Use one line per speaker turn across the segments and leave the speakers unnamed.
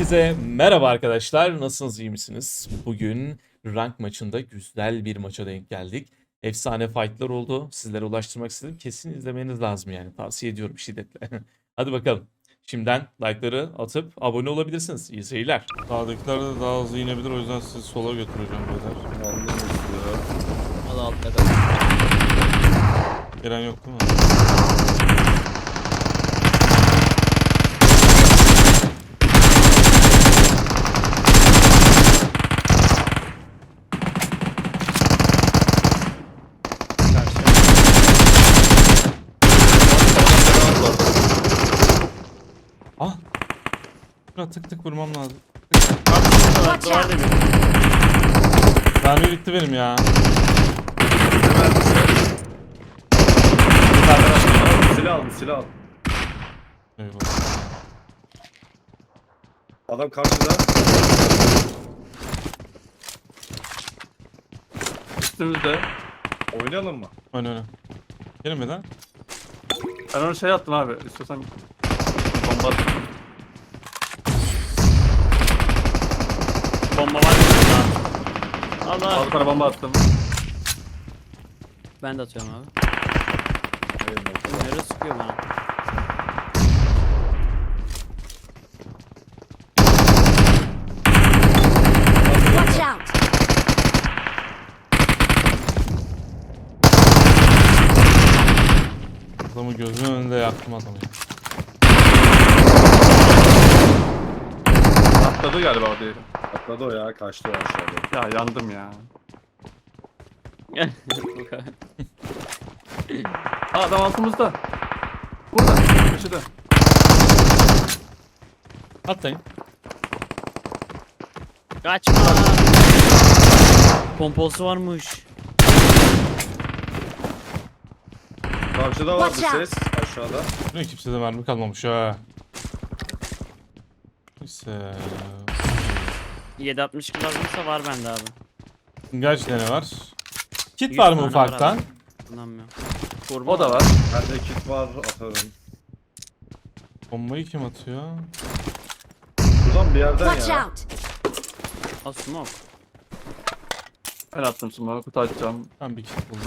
Hepinize merhaba arkadaşlar. Nasılsınız, iyi misiniz? Bugün rank maçında güzel bir maça denk geldik. Efsane fight'lar oldu. Sizlere ulaştırmak istedim. Kesin izlemeniz lazım yani. Tavsiye ediyorum şiddetle. Hadi bakalım. Şimdiden like'ları atıp abone olabilirsiniz. İyi seyirler.
Sağdakiler de daha hızlı inebilir, o yüzden sizi sola götüreceğim beyler.
Valla altta kal.
Gelen yok değil mi? Ah! Şuna tık tık vurmam lazım.
Watch out!
Mermi bitti benim ya.
Silah al.
Eyvallah.
Adam karşıda.
Üstümüzde.
Oynayalım mı?
Öyle. Gelin mi lan?
Ben onu şey attım abi. İstiyorsan bomba at.
Bomba var mı? Allah.
Al para bomba attım.
Ben de atıyorum abi. Nereye sıkıyor bana?
Watch out!
Adamı gözümün önünde yaktım adamı ya.
Atladı galiba o diyelim.
Atladı o ya, kaçtı o aşağıda.
Ya yandım ya. Aa, adam altımızda. Burada. Köşede.
Atlayın.
Kaçma. Pompolsu varmış.
Karşıda var bir
Watch out.
ses aşağıda.
Ne kimse de mermi kalmamış ha. Neyse.
7.62 lazımsa var bende abi.
Kaç tane var? Kit
100
var mı
tane
ufaktan?
abi. Kullanmıyorum. Kurban.
O da var.
Bende kit var, atarım.
Bombayı kim atıyor?
Buradan bir yerden
Watch
ya.
out!
Al smoke.
Ben attım şimdi. Kutu açacağım.
Ben bir kit buldum.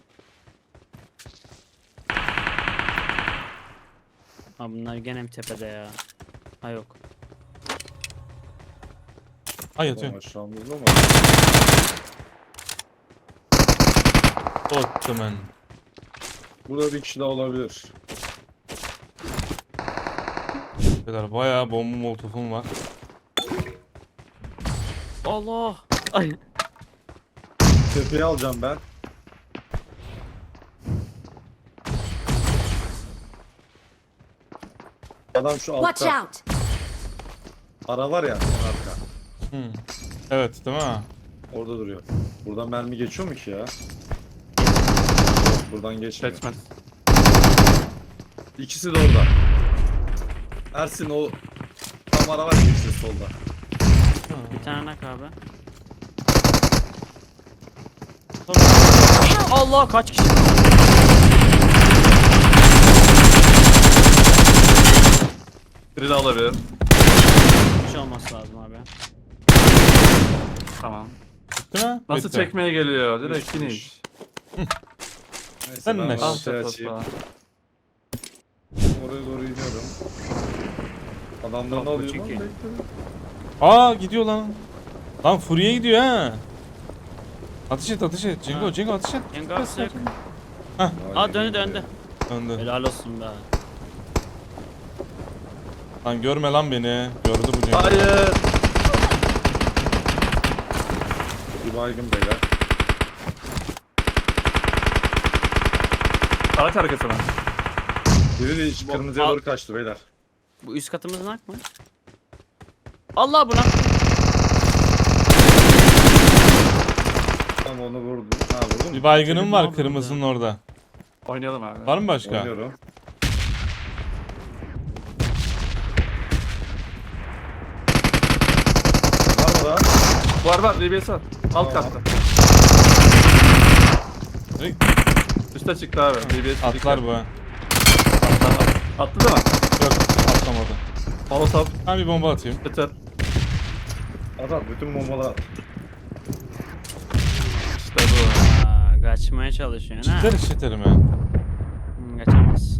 Ha bunlar gene mi tepede ya? Ha yok.
Ay yatıyor.
Tamam, aşağımızda mı?
Ottoman.
Burada bir kişi daha olabilir.
Beyler bayağı bomba molotofum var.
Allah. Ay.
Tepeyi alacağım ben. Adam şu
Watch
altta.
out!
Ara var ya, arka.
Hmm. Evet değil mi?
Orada duruyor. Buradan mermi geçiyor mu ki ya? Buradan geçmiyor.
Geçmez.
İkisi de orada. Ersin o tam ara var ya, ikisi de solda.
Bir tane nak abi. Allah kaç kişi?
Biri de alabilir.
Bir şey olması lazım abi.
Tamam.
Değil mi?
Nasıl
Bitti.
çekmeye geliyor? Direkt
Bitmiş.
finish.
Neyse
Sen
ben
ne?
onu
Al
şey
set
açayım.
tosla.
Oraya doğru iniyorum. Adamlarını
Yok, bu
alıyorum.
çünkü.
Aa gidiyor lan. Lan Fury'e gidiyor ha. Ateş et ateş et. Cengo
Ha.
Cengo ateş et.
Yengar sık. Aa döndü.
Döndü.
Helal olsun be.
Lan görme lan beni. Gördü bu Cengo.
Hayır.
Bir baygın beyler.
Araç arkasına.
Biri de hiç kırmızıya doğru kaçtı beyler.
Bu üst katımızın hak mı? Allah buna.
Tam onu vurdum. Ha vurdum.
Bir baygınım
Çocuk
var
ne oldu
kırmızının orada.
Oynayalım abi.
Var mı başka?
Oynuyorum. Var mı daha?
Var DBS var. Alt
Tamam.
katta.
Direkt
Üste çıktı abi. DBS
atlar bu ha.
Attı değil mi?
Yok atlamadı.
Molotov.
Ben bir bomba atayım.
Yeter.
Adam bütün bombalar.
İşte bu.
Aa, kaçmaya çalışıyorsun ha.
Çiter işiterim ya.
Kaçamaz.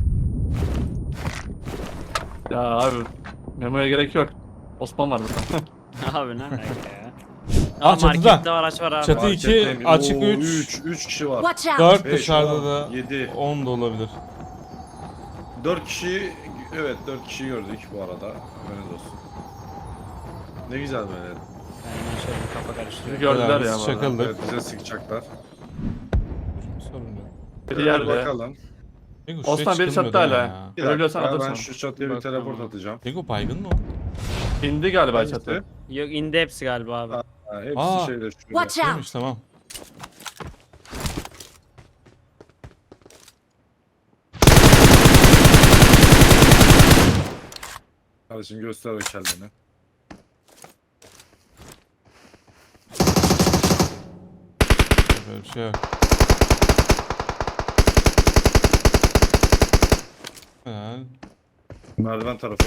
Ya abi. Memoya gerek yok. Osman var burada.
Abi ne alaka ya?
Aa,
Aa,
çatıda.
markette araç var abi.
Çatı 2, açık 3,
3 kişi var.
Watch out!
4
Beş,
dışarıda
on,
da
7.
10 da olabilir.
4 kişi, evet 4 kişi gördük bu arada. Haberiniz olsun. Ne güzel böyle.
Ben şöyle bir kafa karıştırıyorum.
Bizi gördüler
Beraber
ya bu arada.
çakıldık.
Evet bize sıkacaklar.
Sorun yok.
Bir
Gel
yerde.
bakalım.
Cengo şuraya
Osman biri
çıkılmıyor
çattı
değil mi
hala.
ya?
Bir dakika,
Ölüyorsan
ben
alırsın.
şu çatıya bir
Bak,
teleport
tamam.
atacağım.
Cengo baygın mı o?
İndi galiba
Hangisi?
çatı.
Yok indi hepsi galiba abi.
Ha, hepsi
Aa.
şeyde şurada.
Watch out!
Neymiş tamam.
Kardeşim göster o kendini.
Böyle bir şey yok. Helal.
Merdiven tarafı.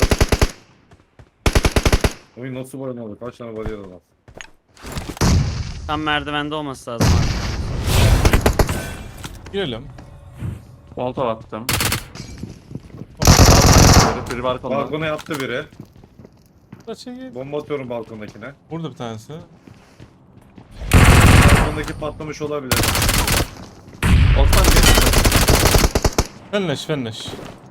Oyun nasıl boyamalı? Kaç tane bariyer var?
Tam merdivende olması lazım abi.
Girelim.
Molotov attım. Biri balkonda.
Balkona yattı biri.
Kaça git.
Bomba atıyorum balkondakine.
Burada bir tanesi.
Balkondaki patlamış olabilir.
Osman geç.
Fenleş fenleş.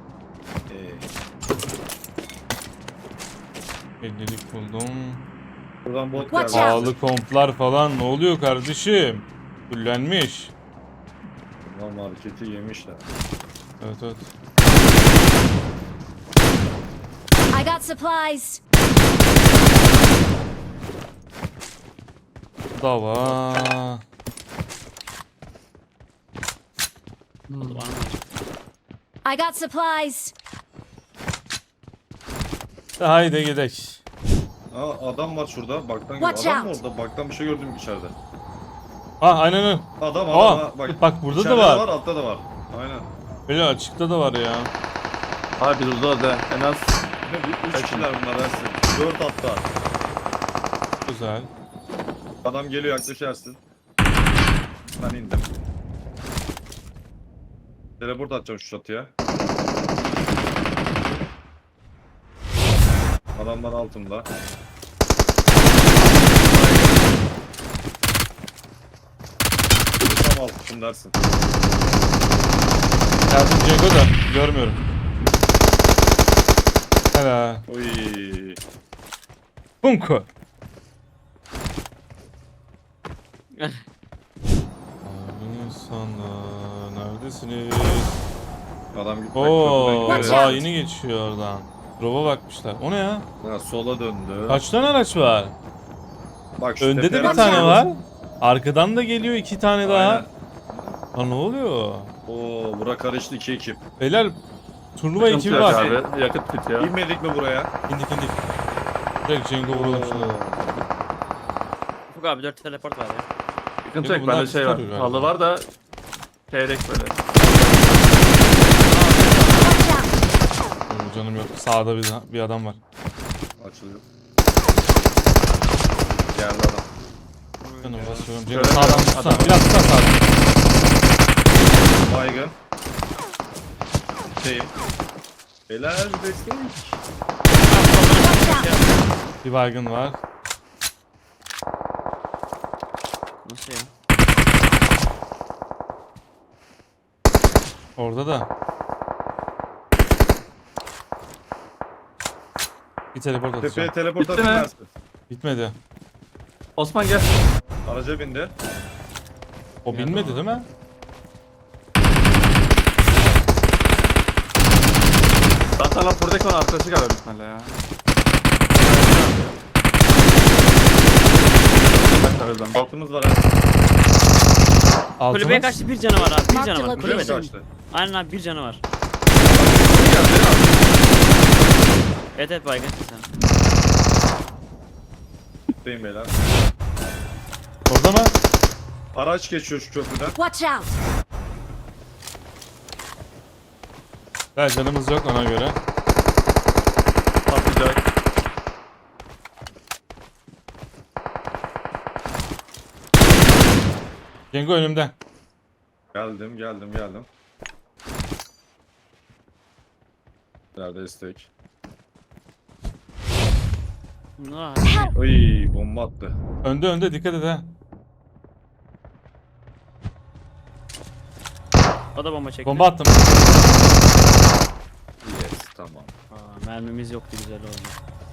Ee,
50'lik buldum.
buradan bot
Watch
geldi.
out.
Pahalı komplar falan ne oluyor kardeşim? Fullenmiş.
Lan marketi yemişler.
Evet evet.
I got supplies!
Dava.
Var mı?
I got supplies!
Haydi gidelim.
Aa adam var şurada. Baktan
Watch
adam mı
out.
orada? Baktan bir şey gördüm içeride.
Ah aynen öyle.
Adam
Aa,
bak.
bak burada da
İçeride
var.
de var, altta da var. Aynen.
Böyle açıkta da var ya.
Abi biz uzağız da en az
3 kişiler bunlar Ersin. 4 hatta.
Güzel.
Adam geliyor yaklaşarsın. Ben indim. Teleport atacağım şu çatıya. Adamlar altımda. Tam altım dersin.
Geldim Cengo da görmüyorum. Helal.
Oy.
Funko. Abi sana neredesiniz?
Adam gitmek
Oo,
Watch
daha
out.
yeni geçiyor oradan. Drop'a bakmışlar. O ne ya?
Ha, sola döndü.
Kaç tane araç var?
Bak şu
Önde de bir
tepeden
tane
Watch
var. Arkadan da geliyor 2 tane daha.
Aynen.
Ha ne oluyor?
Oo, bura karıştı 2 ekip.
Beyler turnuva
sıkıntı
ekibi
yok
var.
abi. Yakıt bitiyor.
İnmedik mi buraya?
İndik. Direkt Cengo vuralım şuna.
Ufuk abi 4 teleport var ya.
Sıkıntı
Yok,
yok.
bunlar
Bende şey var.
tutarıyor galiba.
Halı var da çeyrek böyle.
Watch out!
Oo, canım yok. Sağda bir adam var.
Açılıyor. Geldi adam.
Canım basıyorum. Cengo
Şöyle
sağdan
biraz
tutsana.
adam-
Biraz tutsana sağdan.
Baygın. Şeyim. Helal destek.
Watch out!
Bir baygın var.
Nasıl ya?
Orada da. Bir teleport
Tepeye
atacağım.
teleport
Bitti mi?
atarsın.
Bitmedi.
Osman gel.
Araca bindi.
O bilmedi değil mi?
Zaten lan buradaki onun arkadaşı galiba bitmeli ya. Ben
Altımız var ha.
Altı
Kulübeye
mı?
kaçtı, bir canı var abi. Bir
Mark
canı
the
var.
location.
Kulübe
Kulübede.
kaçtı.
Aynen abi, bir canı var. Evet evet baygın sen.
Deyim beyler.
Orada mı?
Araç geçiyor şu köprüden.
Watch out!
Evet canımız yok ona göre.
Patlayacak.
Cengo önümde.
Geldim. Nerede destek?
Bunlar
Ay bomba attı.
Önde dikkat et ha.
o da bomba çekti.
Bomba attım.
Yes tamam.
Aa, mermimiz yoktu, güzel oldu.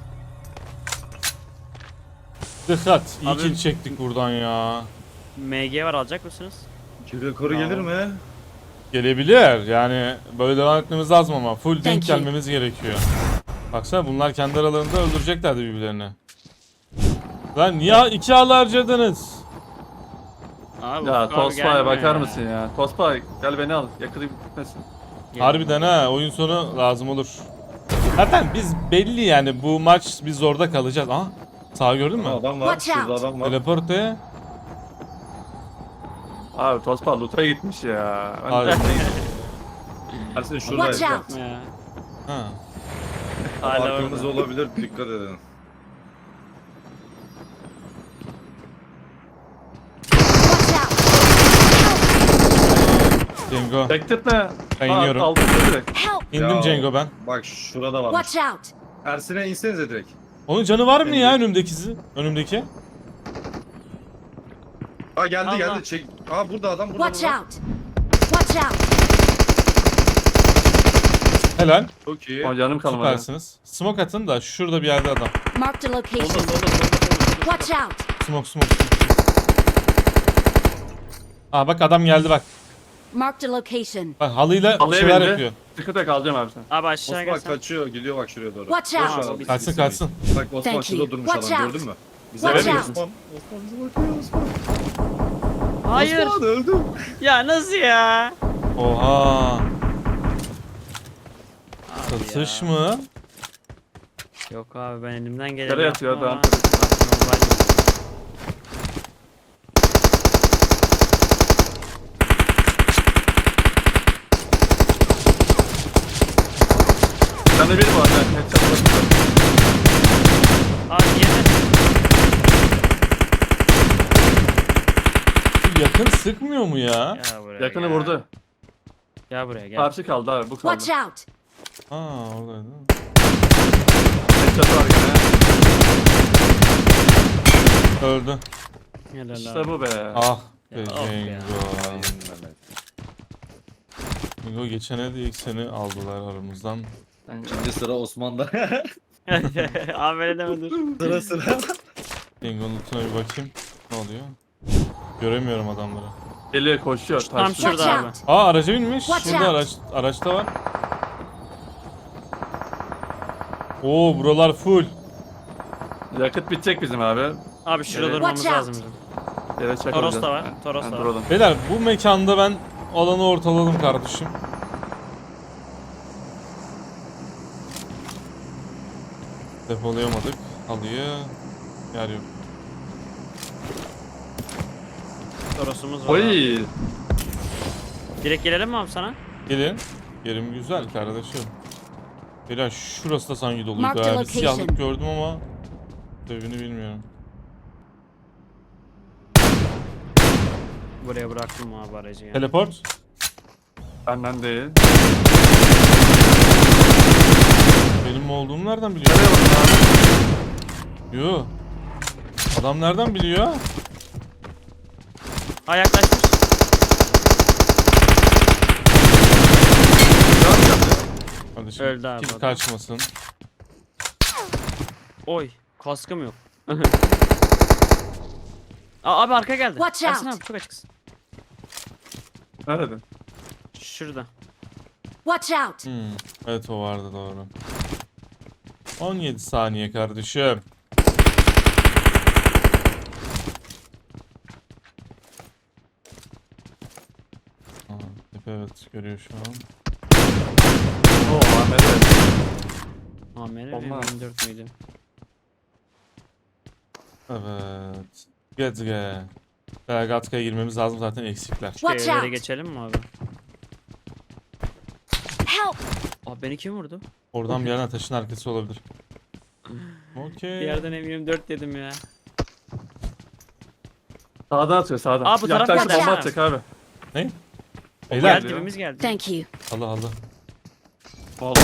Dikkat. İyi
Abi-
kill çektik buradan ya.
MG var, alacak mısınız?
İki rekoru
Tamam.
gelir mi?
Gelebilir. Yani böyle devam etmemiz lazım ama full denk
Thank you.
gelmemiz gerekiyor. Baksana bunlar kendi aralarında öldüreceklerdi birbirlerini. Lan niye 2 ağlı harcadınız?
Abi,
Ya
Ufuk abi
Tospa'ya
gelmiyor
bakar
ya.
mısın ya? Tospa gel beni al. Yakılayım gitmesin.
Harbiden ha, oyun sonu lazım olur. Zaten biz belli yani bu maç biz orada kalacağız. Aha, sağ gördün mü?
Adam var.
Watch
Şurada
out.
adam var.
Teleporte.
Abi Tospa loot'a gitmiş ya. Ben
Abi.
Ersin şuradayız.
Watch
bak.
out.
Ya.
Ha.
Hala
Arkamız
orada.
olabilir. Dikkat edin.
Watch out.
Cengo.
Bekletme.
Ben iniyorum.
Aldım direkt.
Help.
İndim
Ya,
Cengo ben.
Bak şurada varmış.
Watch out.
Ersin'e insenize direkt.
Onun canı var mı ya
Evet.
önümdeki?
Aa geldi
Allah.
geldi. Çek. Aa burada adam burada.
Watch
burada.
out. Watch out.
Helal.
Çok iyi.
O canım kalmadı.
Süpersiniz. Smoke atın da şurada bir yerde adam.
Marked a
Solda
location.
solda solda.
Watch out.
Smoke. Aa bak adam geldi bak.
Marked a location.
Bak halıyla
Halıya
şeyler
bindi.
yapıyor.
Dikkat et alacağım abi sen.
Abi aşağı
Osman
gelsen.
kaçıyor. Gidiyor bak şuraya doğru.
Watch
Boş
out.
ver abi,
Kaçsın
biz
kaçsın.
gitmeyiz. Bak Osman
Thank
şurada
you.
durmuş
Watch
adam
out.
gördün mü? Bize
Watch
bakıyor
out.
Osman. Osman bize bakıyor Osman.
Hayır.
Osman öldüm.
Ya nasıl ya?
Oha.
Abi
Satış
ya.
mı?
Yok abi, ben elimden geleni
Yere
yaptım
yatıyor
ama.
adam.
Normal değil.
Sen de bir bu arada. Headshot bakıyor.
Abi yeme.
Şu yakın sıkmıyor mu ya?
Gel buraya.
Yakını
gel.
vurdu.
Gel buraya gel.
Karşı kaldı abi bu kaldı.
Watch out.
Aa oradaydı.
Headshot var gene.
Öldü.
Helal
İşte
abi.
bu be.
Ah be
Ya, of ya.
Cengo. Cengo geçen el ilk seni aldılar aramızdan.
İkinci sıra Osman'da.
Abi öyle deme dur.
sıra sıra.
Cengo'nun lootuna bir bakayım. Ne oluyor? Göremiyorum adamları.
Geliyor koşuyor.
Tam
taşlıyor.
şurada
Watch
abi.
out.
Aa araca binmiş.
Watch
Şurada
out.
araçta var. Oo buralar full.
Yakıt bitecek bizim abi.
Abi şurada
Evet.
durmamız
Watch out.
lazım bizim.
Yere çakılacağız.
Toros da var, Toros da var.
duralım.
Beyler bu mekanda ben alanı ortaladım kardeşim. Depolayamadık. Halıyı. Yer yok.
Torosumuz var. Abi.
Oy.
Direkt gelelim mi abi sana?
Gelin. Yerim güzel kardeşim. Beyler şurası da sanki doluydu.
Mark the
ha. Bir
location.
siyahlık gördüm ama sebebini bilmiyorum.
Buraya bıraktım abi aracı ya.
Teleport.
Benden değil.
Benim olduğumu nereden biliyor?
Nereye bakın abi?
Yo. Adam nereden biliyor?
Ha, yaklaşmış.
Kardeşim
Öldü abi
kill
adam.
kaçmasın.
Oy, kaskım yok. Aa, abi arka geldi.
Watch
Ersin
out.
abi çok açıksın.
Nerede?
Şurada.
Watch out.
Evet o vardı doğru. 17 saniye kardeşim. Aa, tepe evet görüyor şu an.
Oo Ahmet evet.
Amere mi?
Olmaz.
24 müydü?
Evet. Gezge. Gatka'ya girmemiz lazım zaten eksikler.
Şu
Watch
evlere
out.
geçelim mi abi?
Help.
Abi beni kim vurdu?
Oradan bir yerden taşın arkası olabilir.
Bir
Okey.
yerden M24 dedim ya.
Sağdan atıyor sağdan.
Aa, bu taraf
Yaklaşık
geldi.
bomba atacak abi.
Ne? Beyler.
Geldi, dibimiz geldi.
Thank you.
Allah Allah.
Vallahi.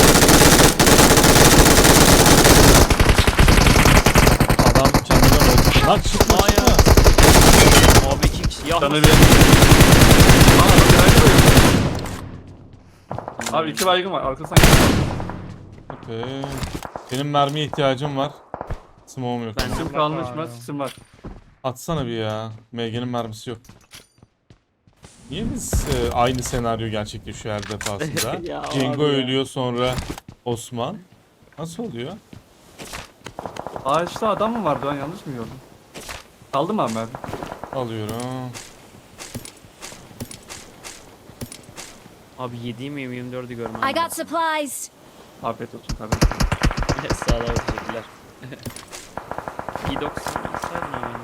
Adam kendinden oldu. Lan çıkma
Hayır.
çıkma.
Abi 2 kişi. Ya
Canı bir. Aa adam bir ayrı koyuyor. Abi 2 baygın var. Arkasından geliyor.
Okey. Benim mermiye ihtiyacım var. Smoke'um yok.
Ben-
Sim kalmış mı? Sim var.
Atsana bir ya. MG'nin mermisi yok. Niye biz aynı senaryo gerçekleşiyor her defasında?
Ya
Cengo
abi ya.
ölüyor sonra Osman. Nasıl oluyor?
Aa işte adam mı vardı, ben yanlış mı gördüm? Kaldı mı abi mermi?
Alıyorum.
Abi 7'yi mi 24'ü görmem.
I got supplies.
Afiyet olsun kardeşim.
Sağ ol, teşekkürler. P90 alsaydın abi.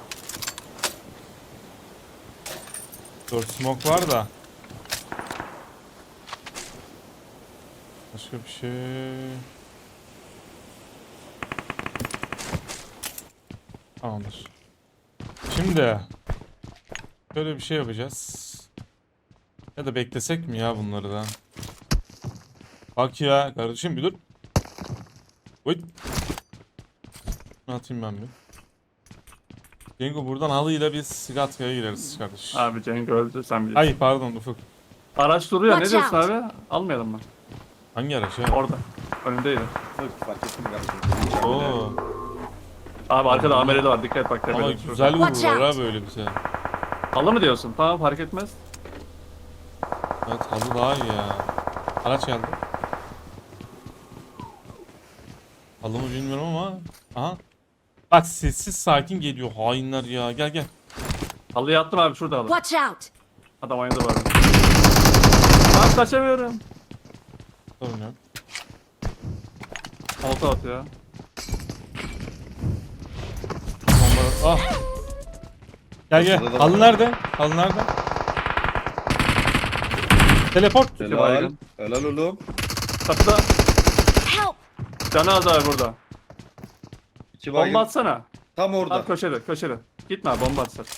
4 smoke var da. Başka bir şey. Tamamdır. Şimdi şöyle bir şey yapacağız. Ya da beklesek mi ya bunları da? Bak ya kardeşim bir dur. Oy. Şunu atayım ben bir. Cengo buradan halıyla biz Gatka'ya gireriz kardeş.
Abi Cenk öldü, sen biliyorsun.
Ay pardon Ufuk.
Araç duruyor, ne
Watch
diyorsun
out.
abi? Almayalım mı?
Hangi araç ya?
Orada. Önündeydi.
Yok fark ettim kardeşim.
Oo.
Abi arkada AMR'de var, dikkat et bak
Ama
tepede.
güzel
Watch
vururlar
out.
ha böyle bize.
Halı mı diyorsun? Tamam fark etmez.
Evet halı daha iyi ya. Araç geldi. Halı mı bilmiyorum ama. Aha. Bak sessiz sakin geliyor hainler ya. Gel gel.
Halıya attım abi, şurada halı.
Watch out.
Adam aynada var. Abi kaçamıyorum.
Sorun yok.
Olta atıyor.
Bomba. Ah. Gel gel.
Ortada da
Halı
var.
nerede? Halı nerede? Teleport.
Helal.
baygın.
Helal oğlum.
Çatıda.
Help.
Canı az abi burada.
2 baygın.
Bomba atsana.
Tam orada.
Abi köşede, köşede. Gitme abi, bomba atsana.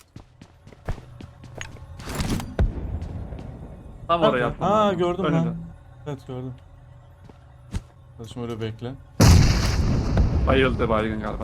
Tam oraya
Nerede?
atmam
Ha
lazım.
gördüm
Önünde.
lan. Evet gördüm. Kardeşim öyle bekle.
Bayıldı baygın galiba.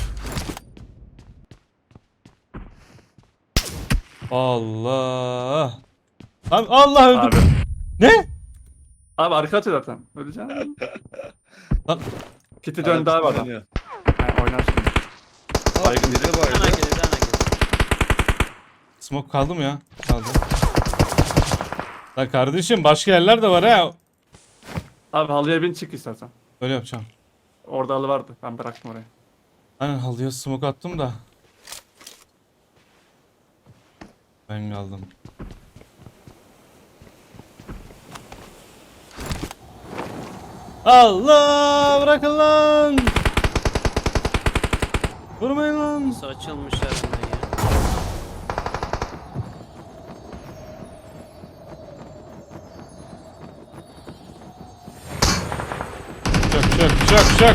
Allah. Lan Allah öldüm.
Abi.
Ne?
Abi arka atıyor zaten. Öleceksin.
Lan
Kiti döndü abi adam.
Oynuyor.
Ha, oynar şimdi.
Baygın biri
Bir tane
baygın.
geldi, bir tane geldi.
smoke kaldı mı ya? Kaldı. Lan kardeşim başka yerler de var ha.
Abi halıya bin, çık istersen.
Öyle yapacağım.
Orada halı vardı. Ben bıraktım oraya.
Aynen halıya smoke attım da. Ben kaldım. Allah bırakın lan. Vurmayın lan.
Nasıl açılmış herhalde ya.
Çök çök çök çök.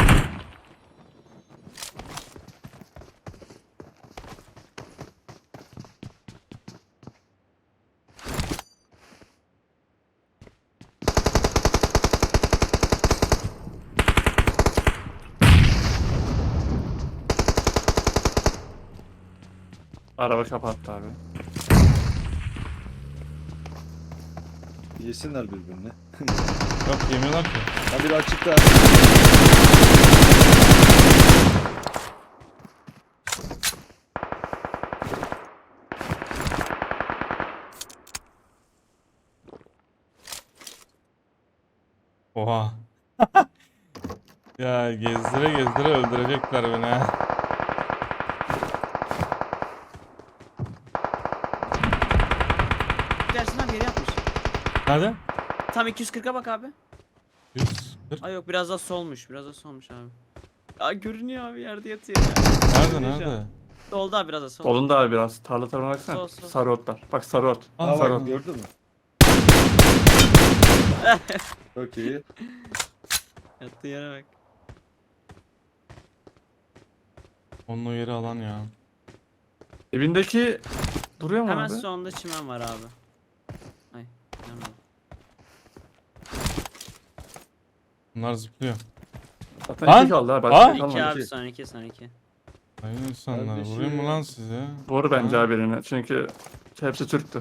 Araba kapattı abi.
Yesinler birbirini.
Yok yemiyorlar ki.
Ha biri açıkta.
Oha. Ya gezdire gezdire öldürecekler beni ha.
Dersin abi geri atmış.
Nerede?
Tam 240'a bak abi.
140.
Ay yok, biraz daha solmuş. Biraz daha solmuş abi. Ya görünüyor abi, yerde yatıyor ya.
Nerede
Görünüyor şu an.
nerede?
Solda abi, biraz daha sol.
Solunda abi biraz. Tarla tarafına baksana.
Sol, sol.
Sarı otlar. Bak sarı ot.
Aa,
Ha
sarı
bak
ot.
gördün mü? Çok iyi.
Yattığı yere bak.
Onun o yeri alan ya.
Evindeki duruyor mu
Hemen
abi?
sonunda çimen var abi. Ay. Yanmadı.
Bunlar zıplıyor.
Zaten
Lan!
2 kaldı ha.
Aa!
Başka
İki
kalmadı.
abi son iki son iki.
Hayır insanlar.
Kardeşim.
Vurayım mı lan size?
Vur bence
Ha?
abi birine. Çünkü hepsi Türktü.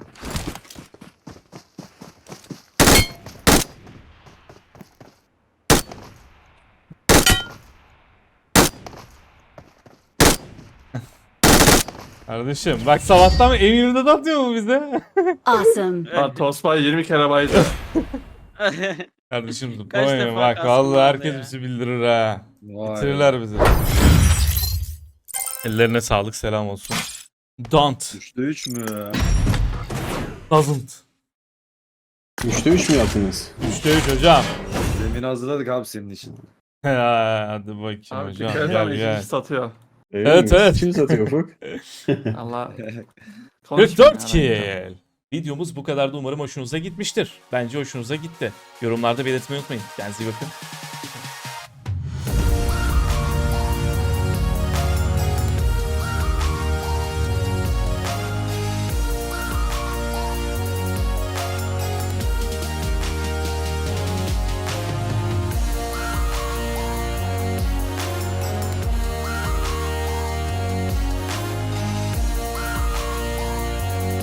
Kardeşim bak sabahtan mı emirde de atıyor mu bize?
Awesome.
Lan Tosbay 20 kere baydı.
Kardeşim
Kaç
zıplamayın
defa
bak
kastım
vallahi
vardı
herkes
ya.
bizi bildirir ha.
Vay.
Bitirirler bizi. Ellerine sağlık selam olsun. Don't.
3'te 3 mü?
Doesn't.
3'te 3 mü yaptınız?
3'te 3 hocam.
Zemin hazırladık abi senin için.
Hadi bakayım
Abi
hocam
dikkat et
gel
ama
gel.
ikinci satıyor.
Öyle
Evet,
mi?
evet.
Kim satıyor Ufuk?
Allah.
44 kill. Videomuz bu kadardı. Umarım hoşunuza gitmiştir. Bence hoşunuza gitti. Yorumlarda belirtmeyi unutmayın. Kendinize iyi bakın.